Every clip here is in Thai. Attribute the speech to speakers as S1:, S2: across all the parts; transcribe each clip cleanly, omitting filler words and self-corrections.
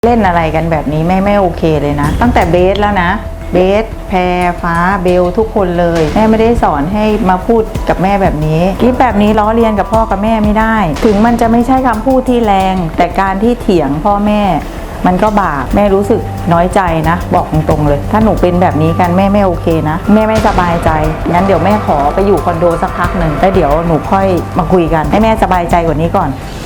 S1: เล่นอะไรกันแบบนี้แม่ไม่โอเคเลยนะตั้งแต่เบสแล้วนะเบสแพรฟ้าเบลทุกคนเลยแม่ไม่ได้สอนให้มาพูดกับแม่แบบนี้คลิปแบบนี้ล้อเลียนกับพ่อกับแม่ไม่ได้ถึงมันจะไม่ใช่คำพูดที่แรงแต่การที่เถียงพ่อแม่มันก็บาปแม่รู้สึกน้อยใจนะบอกตรงๆเลยถ้าหนูเป็นแบบนี้กันแม่ไม่โอเคนะแม่ไม่สบายใจงั้นเดี๋ยวแม่ขอไปอยู่คอนโดสักพักหนึ่งแล้วเดี๋ยวหนูค่อยมาคุยกันให้แม่สบายใจกว่านี้ก่อน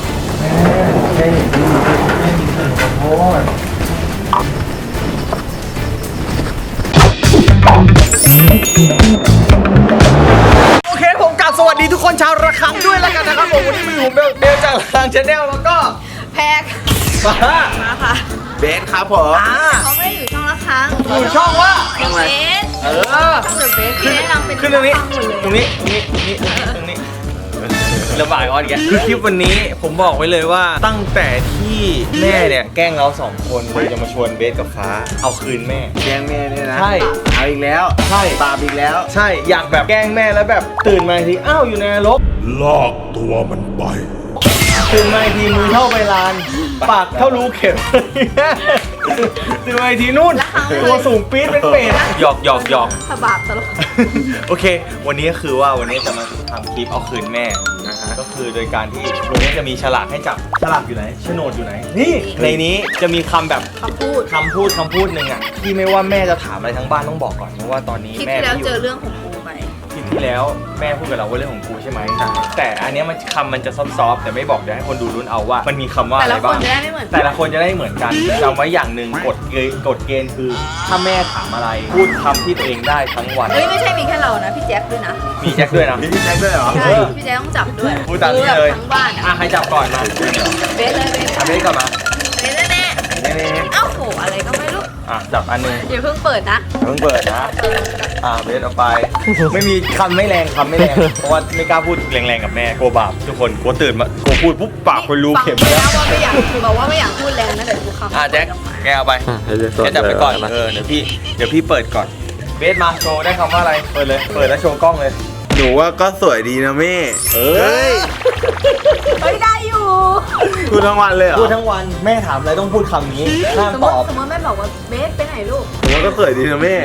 S2: โอเคผมกลับสวัสดีทุกคนชาวระฆังด้วยแล้วกันนะครับผมวันนี้มีผมเบลจากระฆังชาแนลแล้วก็
S3: แพ็คมาค่ะ
S2: เบสครับผม
S3: เขาไม่ได้อยู่ช่องละครั้ง
S2: อยู่ช่องว่า
S3: ช่องเบสช่องเบสที่แนะนำเป็น
S2: ขึ้นตรงนี้ตรงนี้ระบายก่อนแกคือคลิปวันนี้ผมบอกไว้เลยว่าตั้งแต่ที่แม่เนี่ยแกล้งเรา2 คนเลยจะมาชวนเบสกับฟ้าเอาคืนแม่
S4: แกล้งแม่เนี่ยนะ
S2: ใช่
S4: เอาอีกแล้ว
S2: ใช่
S4: บาปอีกแล้ว
S2: ใช่อยากแบบแกล้งแม่แล้วแบบตื่นมาทีอ้าวอยู่ในนรก
S5: ลากตัวมันไป
S2: ตื่นมาทีมือเท่าใบลานปากเท่ารูเข็มตื่นมาทีนู่นตัวสูงปี๊ดเป็นเป็ดหยอก
S3: สบาบตลก
S2: โอเควันนี้ก็คือว่าวันนี้จะมาทำคลิปเอาคืนแม่นะฮะก็คือโดยการที่วันนี้จะมีฉลากให้จับฉลากอยู่ไหนโฉนดอยู่ไหนนี่ในนี้จะมีคำแบบ
S3: คำพูด
S2: หนึ่งอ่ะที่ไม่ว่าแม่จะถามอะไรทั้งบ้านต้องบอกก่อนเพราะว่าตอนนี้แม่
S3: ที่แล้วเจอเรื่องของกูไหม
S2: คลิปที่แล้วแม่พูดกับเราว่าเรื่องของกูใช่ไหมแต่อันนี้มันคำมันจะซอฟๆแต่ไม่บอกเดี๋ยวให้คนดูลุ้นเอาว่ามันมีคำว่าอะไรบ้างแต่ละคนจะได้เหมือนกันจำไว้อย่างหนึ่งกฎเกณฑ์คือถ้าแม่ถามอะไรพูดคำที่ตัวเองได้ทั้งวัน
S3: ไม่ใช่มีแค่เรานะพี่แจ็คด้วยนะ
S2: มีแจ็คด้วยนะ
S4: มีพี่แจ็คด้วยเหรอ
S3: ใช่พี่แจ็คต้องจับด้วย
S2: พูดตามนี้เลย
S3: ทั้งบ้าน
S2: ใครจับก่อนมา
S3: เบสเลย
S2: เบสก่อนมา
S3: เบสแน่เอ้าโหอะไรก็ไม่รู้
S2: จับอันนึง
S3: อย่าเพิ่งเปิดนะ
S2: เบสเอาไปไม่มีคำไม่แรงเพราะว่าไม่กล้าพูดแรงๆกับแม่กลัวบาปทุกคนกลัวตื่นมากลัวพูดปุ๊บปากคนรู้เข็ม
S3: แล้วว่าไม่อยากบอกว่าไม่อยากพูดแรงนะเดี๋ยวกูคำ
S2: แจ็คแกเอาไปแกจับไปก่อนเดี๋ยวพี่เปิดก่อนเบสมาโชว์ได้คำว่าอะไรเปิดแล้วโชว์กล้องเลย
S4: หนูว่าก็สวยดีนะแม่
S3: ได้อยู่
S4: พูดทั้งวันเลยเหรอ
S2: พูดทั้งวันแม่ถามอะไรต้องพูดคำนี้ห้ามตอบ
S3: สมมติแม่บอกว่าเบสไปไหนลูก
S4: หนูว่าก็สวยดีนะแม่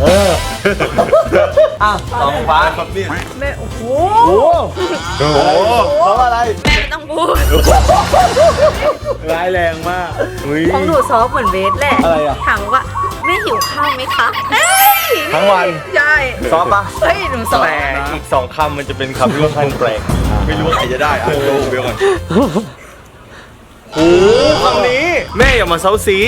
S2: สองฟ้า
S4: ครับเนี่ย
S3: แม่โอ้โห
S2: เพราะอะไร
S3: แม่ไม่ต้องพูด
S4: ร้ายแรงมาก
S3: ของหนูซอฟเหมือนเบสแหละ
S2: อะไรอ่ะ
S3: ถามว่าแม่หิวข้าวไหมคะ
S2: ทั้งวัน
S3: ใช่
S2: ซอฟปะ
S3: เฮ้ยหนูซอฟ
S2: แต่อีก2 คำมันจะเป็นคำที่ค่อนข้างแปลกไม่รู้ใครจะได้ดูเดี๋ยวก่อนโอ้คำนี้แม่อย่ามาเซาซี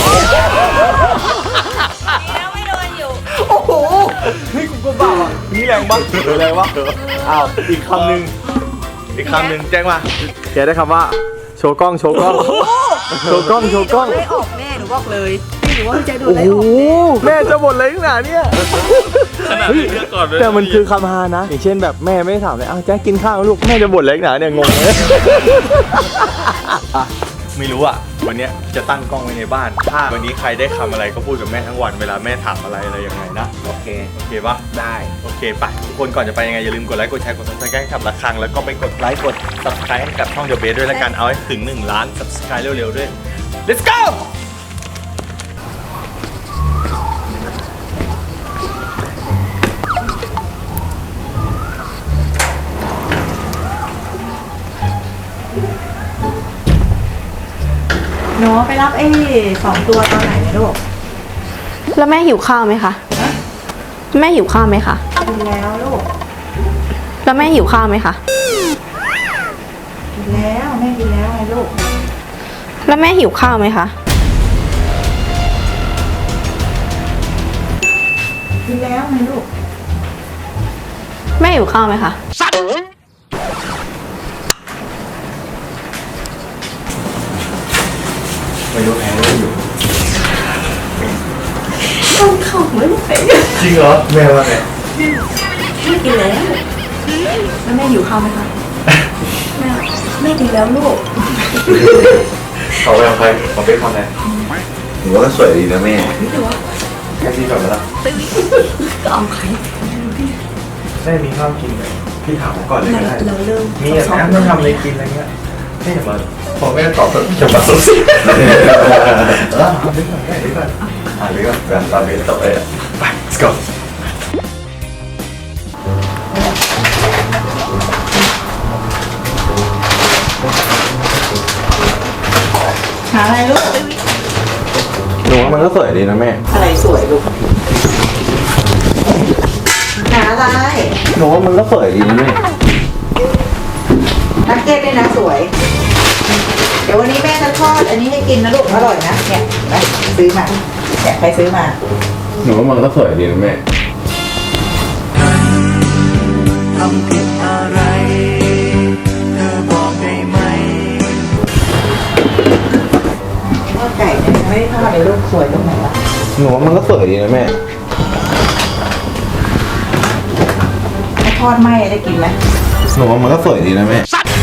S3: แล้วไม่โดนอยู่
S2: โอ้โหนี่กูก็บ้านี่แรงบ้าแรงวะอีกคำหนึ่งแจ้งมาแกได้คำว่าโชว์กล้อง
S3: ไม่ออกแม่หนูบอกเลยหนูว่าพี่แจ๊คโดนไล่ออก
S2: แม่จะบ่นอะไรขนาดนี้แต่มันคือคำฮานะอย่างเช่นแบบแม่ไม่ถามเลยแจ๊คกินข้าวลูกแม่จะบ่นอะไรขนาดเนี่ยงงเลยไม่รู้อ่ะวันนี้จะตั้งกล้องไว้ในบ้านถ้าวันนี้ใครได้คำอะไรก็พูดกับแม่ทั้งวันเวลาแม่ถามอะไรยังไงนะโอเคปะ
S4: ได้
S2: โอเคไปทุกคนก่อนจะไปยังไงอย่าลืมกดไลค์กดแชร์กด Subscribe ให้กับระฆังแล้วก็ไปกดไลค์กด Subscribe ให้กับช่องเดอะเบสด้วยละกันเอาให้ถึง1 ล้าน Subscribe เร็วๆด้วย Let's go
S1: หนูไปรับ2 ตัวตอนไหนลูก
S3: แล้วแม่หิวข้าวไหมคะแม่หิวข้าวไหมคะ
S1: กินแล้วลูก
S3: แล้วแม่หิวข้าวไหมคะ
S1: กินแล้วแม่กินแล้วไงลูก
S3: แล้วแม่หิวข้าวไหมคะ
S1: กินแล้วไงลูก
S3: แม่หิวข้าวไหมคะ
S2: ไม่รู้แพ้ไม่อยู่
S3: ต้องเข้าไม่ไหว
S2: จริงเหรอแม่ว่าไง
S3: ไม่กินแล้วแล้วแม่หิวข้าวไหมคะแม่กินแล้วลูก
S2: เขาไปเอาใครเขาไปทำอะไร
S4: หนูว่าก็สวยดีนะแม่
S2: แค่ที่ก่อนแล้ว
S3: ก็เอาใคร
S2: แม่มีข้าวกินไหมพี่ถามก่อนเลยก็ได้
S3: เราเริ่ม
S2: มีอะไรไม่ทำอะไรกินอะไรเงี้ยแค่ม่มาพอแม่ตอบแบบอย่ามาซุบซิบดึงก่อนแม่ดึงก่อนดึงก่อนแบบตอนนี้ตอบเลยไป let's go
S1: หาอะไรลูก
S4: หนูว่ามันก็สวยดีนะแม่
S1: อะไรสวยลูกหาอะไร
S4: หนูว่ามันก็สวยดีนะแม่
S1: นักเก็ตด้วยนะสวย เดี๋ยววันนี้แม่จะทอดอันนี้ให้กินนะลูกอร่อยนะเนี่ยเห็นไหมซื้อมาเนี่ยใครซื้อมา
S4: หนูว่ามันก็สวยดีนะแม่
S6: ทำผิดอะไร เธอบอกได้ไหม
S1: ทอดไก่เนี่ยยังไม่ได้ทอดเลยลูกสวยตรงไหนวะ
S4: หนูว่ามันก็สวยดีนะแม่
S1: ถ้าทอดไหม้ได้กินไหม
S4: หนูว่ามันก็สวยดีนะแม่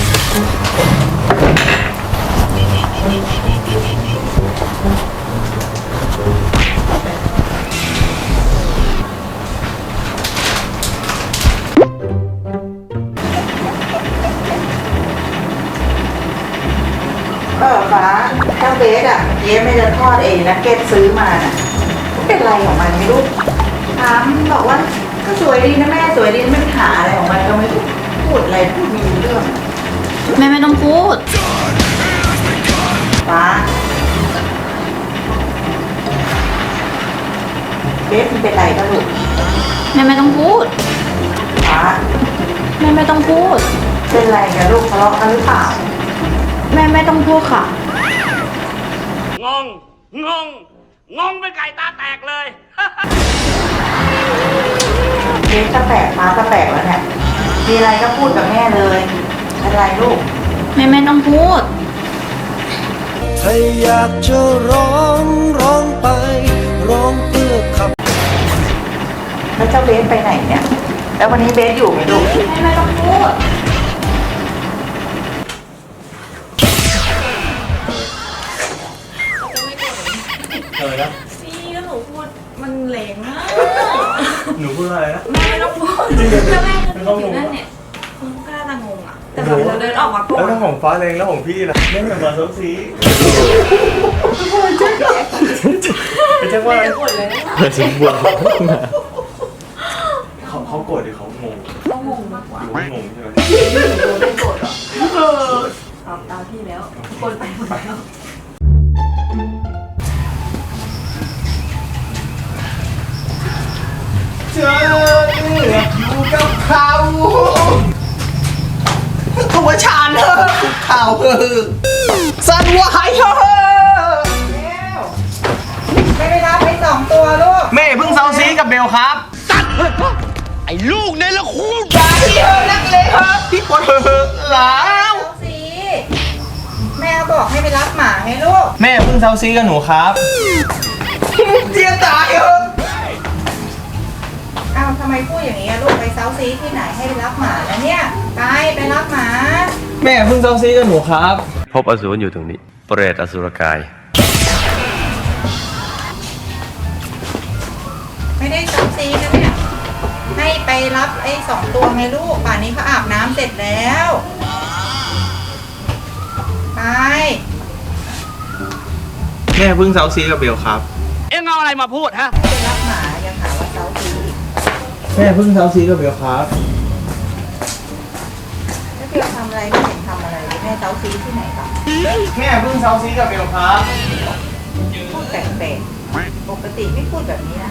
S1: ฟ้าเจ้าเบสอ่ะเย้ไม่ได้ทอดเองนะเก็ตซื้อมาน่ะเป็นไรของมันไม่รู้ถามบอกว่าก็สวยดีนะแม่สวยดีไม่ไปหาอะไรของมันก็ไม่รู้พูดอะไรพูดไม่รู้เรื่อง
S3: แม่ไม่ต้องพูด
S1: ฟ้าเบสมันเป็นไรก็ลูก
S3: แม่ไม่ต้องพูด
S1: ฟ้า
S3: แม่ไม่ต้องพูด
S1: เป็นไรกับลูกทะเลาะกันหรือเปล่า
S3: แม่ไม่ต้องพูดค่ะ
S6: งงเป็นไก่ตาแตกเลย
S1: เบสก็แตกฟ้าก็แตกแล้วเนี่ยมีอะไรก็พูดกับแม่เลยเป็นไรลูก
S3: แม่ไม่ต้องพูด
S6: ถ้าอยากจะร้องไปร้องเพื่อขับ
S1: แล้วเจ้าเบสไปไหนเนี่ย แล้ววันนี้เบสอยู่ไหมลูก
S3: แม่ไม่ต้องพูด
S2: นะ
S3: นี่ก็หนูพูดมันแรงมาก
S2: หนูพูดอะไรนะ
S3: แม่ไม่ต้องพูดแล้วแม่ก็อยู่นั่นเนี่ยคุณกล้าจะงงอ่ะ แต่แบบเราเดินออกมาก่อ
S2: แล้ว
S3: น
S2: ถ้าของฟ้าเองแล้วของพี่ล่ะแม่อย่ามาซุบซิบเป็นจังว่า
S3: หมดเลย
S2: เขาโกรธหรือเขางง
S3: ต้องงงมากกว่า
S2: หรือว่างงใช่ไหม
S3: ไม่โกรธหรอตอบตามพี่แล้วคนไปหมดแล้ว
S2: เจออยู่กับเขาตัวชานเธอคุกเข่าเธอสั่นไหวเธอ
S1: ไม่ได้รับไป2 ตัวลูก
S2: แม่เพิ่งเซาซีกับเบลครับ
S6: ไอ้ลูกเนี่ยละคุณ
S2: อย่าที่เธอนักเลยครับพี่ปวดเธอแล้ว
S1: เอาสิแม่บอกให้ไปรับหมาไงลูก
S2: แม่เพิ่งเซาซีกับหนูครับเจียตายเออ
S1: อ้าวทำไมพูดอย่างนี้อะลูกไปเซาซีที่ไหนให้ไปรับหมาแล้วเนี่ยไปรับหมา
S2: แม่เพิ่งเซาซีกับหนูครับ
S7: พบอสูรอยู่ตรงนี้ เปรตอสุรกาย
S1: ไม่ได้เซาซีนะเนี่ยให้ไปรับไอ้2 ตัวไงลูกป่านนี้เขาอาบน้ำเสร็จแล้วไป
S2: แม่เพิ่งเซาซีกับเบลครับ
S6: เอ็งเอาอะไรมาพูดฮะ
S1: ไปรับหมายังหาว่าเซาซี
S2: แม่เพิ่งเซาซีกับเบลครับ
S1: แล้วพี่ทำอะไรไม่เห็นทำอะไรเลยแม่เซาซีที่ไหนหรอ
S2: แม่เพิ่งเซาซีกับเบลครับ
S1: พูดแปลกๆปกติไม่พูดแบบนี้นะ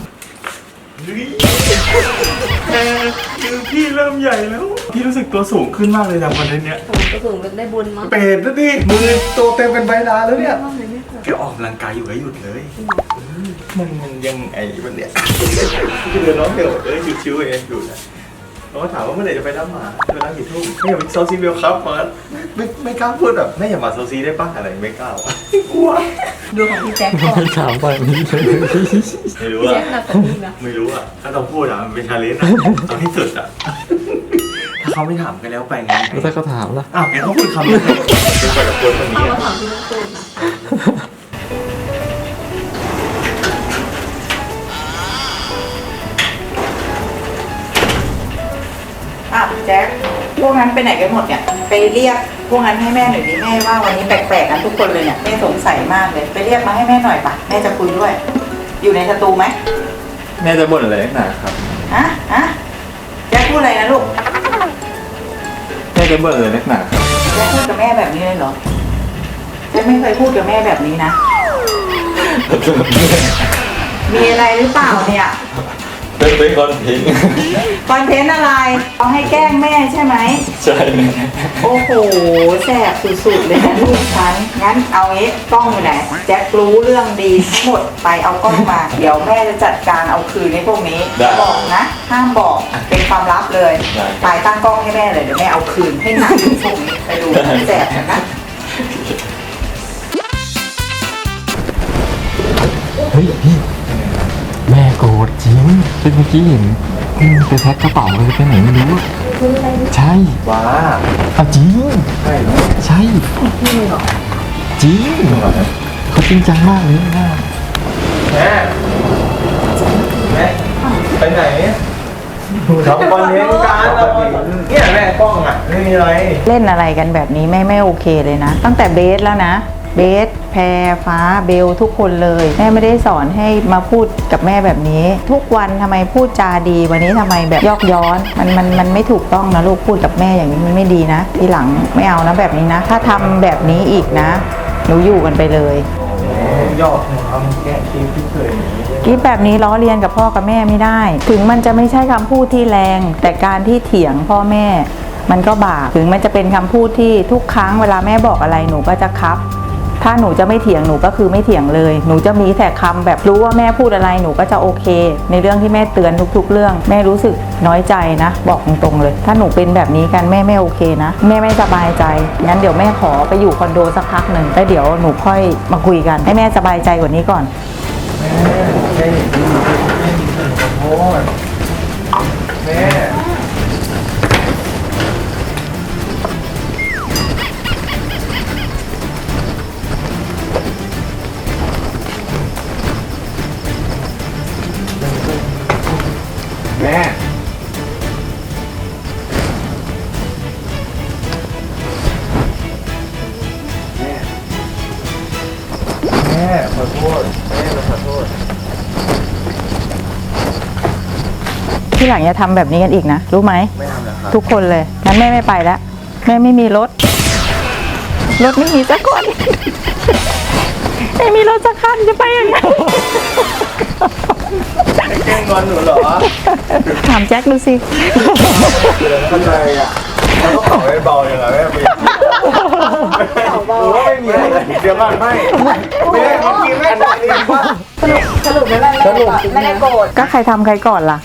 S2: คือพี่เริ่มใหญ่แล้ว พี่รู้สึกตัวสูงขึ้นมากเลยจากวันนี้
S3: ก็ถึงได้บุญมั้ง
S2: เป็ดนะดิมือโตเต็มเป็นใบลาแล้วเนี่ยแกออกกำลังกายอยู่ก็หยุดเลยมันยังไงมันเนี่ยคือเดินน้องเบลชิวๆเองอยู่นะน้องถามว่าเมื่อไหร่จะไปรับหมาเวลากี่ทุ่มไม่อยากไปเซาซีเบลครับมันไม่กล้าพูดแบบไม่อยากมาเซาซีได้ป่ะอะไรไม่กล้ากลัว
S1: ดูของพี่แจ็คก่อน
S7: ถามไปไม่ได้
S2: ไม่รู้อะไม่รู้อะถ้าต้องพูดอะมันเป็นชาเลนจ์อะเอาให้สุดอะถ้าเขาไม่ถามกันแล้วไปไง
S7: แล้วถ้าเขาถามล่ะ
S2: อ้าวแกต้องพูดคำนี้เป็นไปกับคนคนนี้อะ
S3: ถามพี่ต้องพูดนะ
S1: อ่ะแจ็คพวกนั้นไปไหนกันหมดเนี่ยไปเรียกพวกนั้นให้แม่หน่อยดิแม่ว่าวันนี้แปลกๆกันทุกคนเลยเนี่ยแม่สงสัยมากเลยไปเรียกมาให้แม่หน่อยปะแม่จะคุยด้วย อยู่ในสตูไหม
S2: แม่จะบ่นอะไรนักหนาครับ
S1: ฮะแจ๊คพูดอะไรนะลูก
S2: แม่จะบ่นอะไรนักหนาครับ
S1: แจ๊คพูดกับแม่แบบนี้เลยเหรอแจ๊คไม่เคยพูดกับแม่แบบนี้นะ มีอะไรหรือเปล่าเนี่ย
S2: เป็นคอนเทนต์
S1: คอนเทนต์อะไรเอาให้แกล้งแม่ใช่ไหม
S2: ใช่
S1: โอ้โหแสบสุดๆเลยนะลูกฉันงั้นเอางี้กล้องอยู่ไหนแจ็ครู้เรื่องดีทั้งหมดไปเอากล้องมาเดี๋ยวแม่จะจัดการเอาคืนในพวกนี้บอกนะห้ามบอกเป็นความลับเลยตายตั้งกล้องให้แม่เลยเดี๋ยวแม่เอาคืนให้หนักที่พวกนี้ไปดูแสบนะ
S7: เฮ้ยพี่แม่โกรธจริงเป็นเมื่อกี้เห็นไปแพ็คกระเป๋าเลยไปไหนไม่รู้อะใช่
S2: ว้า
S7: เอาจริง
S2: ใช่เหรอ
S7: ใช่จริงเขาจริงจังมากเลยนะ
S2: แม่ไปไหนทำคอนเทนต์การเนี่ยแม่กล้องอ่ะไม่มีอะไร
S1: เล่นอะไรกันแบบนี้แม่ไม่โอเคเลยนะ ตั้งแต่เบสแล้วนะเบสแพรฟ้าเบลทุกคนเลยแม่ไม่ได้สอนให้มาพูดกับแม่แบบนี้ ทุกวันทำไมพูดจาดีวันนี้ทำไมแบบยอกย้อนมันไม่ถูกต้องนะลูกพูดกับแม่อย่างนี้มันไม่ดีนะทีหลังไม่เอานะแบบนี้นะ ถ้าทำแบบนี้อีกนะหนูอยู่กันไปเลย
S2: ยอกทำแก้คิดที่เคยอย่างนี้
S1: กิ๊บแบบนี้ล้อเลียนกับพ่อกับแม่ไม่ได้ ถึงมันจะไม่ใช่คำพูดที่แรง แต่การที่เถียงพ่อแม่ มันก็บาปถึงมันจะเป็นคำพูดที่ทุกครั้งเวลาแม่บอกอะไรหนูก็จะครับ ถ้าหนูจะไม่เถียงหนูก็คือไม่เถียงเลย หนูจะมีแต่คำแบบรู้ว่าแม่พูดอะไรหนูก็จะโอเค ในเรื่องที่แม่เตือนทุกๆเรื่องแม่รู้สึกน้อยใจนะ บอกตรงๆเลย ถ้าหนูเป็นแบบนี้กันแม่ไม่โอเคนะแม่ไม่สบายใจงั้นเดี๋ยวแม่ขอไปอยู่คอนโดสักพักหนึ่งแล้วเดี๋ยวหนูค่อยมาคุยกันให้แม่สบายใจกว่านี้ก่อน
S2: แม่ขอโทษแม่ แม่ขอโทษแม่ขอโทษ
S1: ที่หลังอย่าทำแบบนี้กันอีกนะรู้ไหม
S2: ไม่ทำแล้วครับ
S1: ทุกคนเลยงั้นแม่ไม่ไปแล้วแม่ไม่มีรถไม่มีสักคน ไม่มีรถสักคันจะไปยังไง
S2: แกล้งงอนหนูเหรอ
S1: ถามแจ็คดูสิ
S2: เข้าใจอ่ะมันต้องเป่าให้เบาอย่างไรแม่หรือว่าไม่มีอะไรเดี๋ยวก่อนไม่ได้เมื่อกี้แม่ตัดเองว่า
S1: สรุปไม่ได้โกรธก็ใครทำใครก่อนล่ะ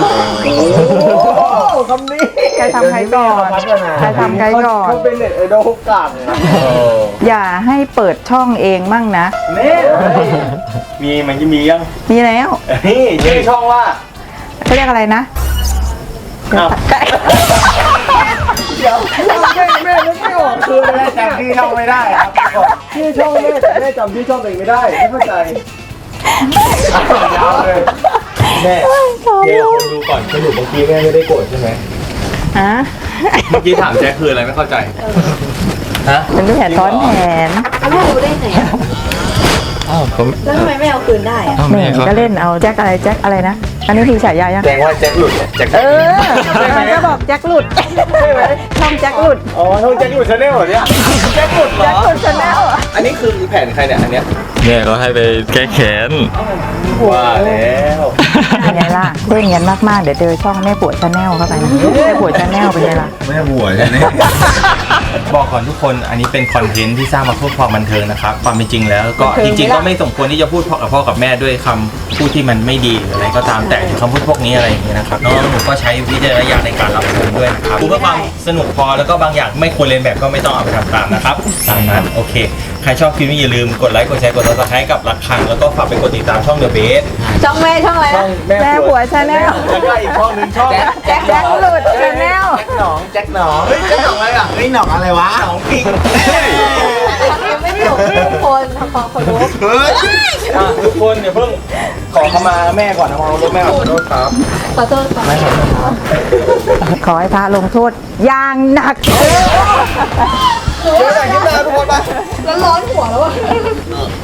S2: คำนี้
S1: ใครทำใครก่อนใครทำใครก่อน
S2: เขาเป็นเน็ตไอดอลกลางนะ
S1: อย่าให้เปิดช่องเองมั่งนะ
S2: มันจะมียัง
S1: มีแล้ว
S2: นี่ชื่อช่องว่า
S1: เขาเรียกอะไรนะ
S2: เดี๋ยวแม่นึกไม่ออกคือแม่จำชื่อช่องไม่ได้ครับชื่อช่องแม่แต่แม่จำชื่อช่องตัวเองไม่ได้ไม่เข้าใจยาวเลยแม่เดี๋ยวคนดูก่อนสรุปเมื่อกี้แม่ไม่ได้โกรธใช่ไหม
S1: ฮะ
S2: เมื่อกี้ถามแจ๊คคืออะไรไม่เข้าใจฮะ
S1: เป็นแผนซ้อนแผน
S3: แล้วแม่รู้ได้ไงอะ
S7: อ้าวผม
S3: แล้วทำไมไม่เอาคืนได้อะ
S7: อ้าว
S1: แม่
S7: แม่เขา
S1: ก็เล่นเอาแจ็คอะไรนะ อันนี้คือฉายายัง
S2: แจ้งว่าแจ็คหลุดเนี่ยแจ็ค
S1: มันก็บอกแจ็คหลุด
S2: ใช่ไหม
S1: ช่องแจ็คหลุด
S2: อ๋อช่องแจ็คหลุดชาแนลเหรอเนี่ยแจ็คหลุดเหรอ
S1: แจ็คหลุดชาแนล
S2: อันนี้คือแผนใครเนี่ยอันเนี้ย
S7: แม่เขาให้ไปแก้แค้น
S2: ว่าแล้ว
S1: เป็นไงล่ะเล่นกันมากๆเดี๋ยวเจอช่องแม่ปวดชาแนลเข้าไปนะแม่ปวดชาแนลเป็นไงล่ะ
S4: แม่บัวใช่ไหม
S2: บอกก่อนทุกคนอันนี้เป็นคอนเทนต์ที่สร้างมาเพื่อความบันเทิงนะครับความเป็นจริงแล้วก็จริงๆก็ไม่สมควรที่จะพูดกับพ่อกับแม่ด้วยคำพูดที่มันไม่ดีหรืออะไรก็ตามแต่คำพูดพวกนี้อะไรอย่างเงี้ยนะครับน้องหนูก็ใช้วิจารณญาณในการรับชมด้วยนะครับพูดเพื่อความสนุกพอแล้วก็บางอย่างไม่ควรเรียนแบบก็ไม่ต้องเอาไปทำตามนะครับตามนั้นโอเคใครชอบคลิปนี้อย่าลืมกดไลค์กดแชร์กด Subscribe กับระฆังแล้วก็ฝากไปกดติดตามช่อง The Base
S3: ช่องแม่ช่องอะไร
S2: ช่อ
S3: นะ
S2: ง
S1: แม่ผัวชาแนล
S2: แล้วก็อีกช่องหนึงช่อง
S1: แจ็คหลุดชาแนล
S2: แจ็คหนองเฮ้ยแจ็คหนองอะไรอ่ะเฮ้ยหนองอะไรวะหนองปิง
S3: ยังไม่มีคนทำความเคารพ
S2: ทุกคนเดี๋ยวเพิ่งขอเข้ามาแม่ก่อนนะขอรถแม่ขอโทษครับ
S3: ขอโทษค่ะ
S1: ขอให้พระลงโทษอย่างหนัก
S2: เจอกันคลิปหน้าทุกคนไป
S3: แล้วร้อนหัวแล้วอ่ะ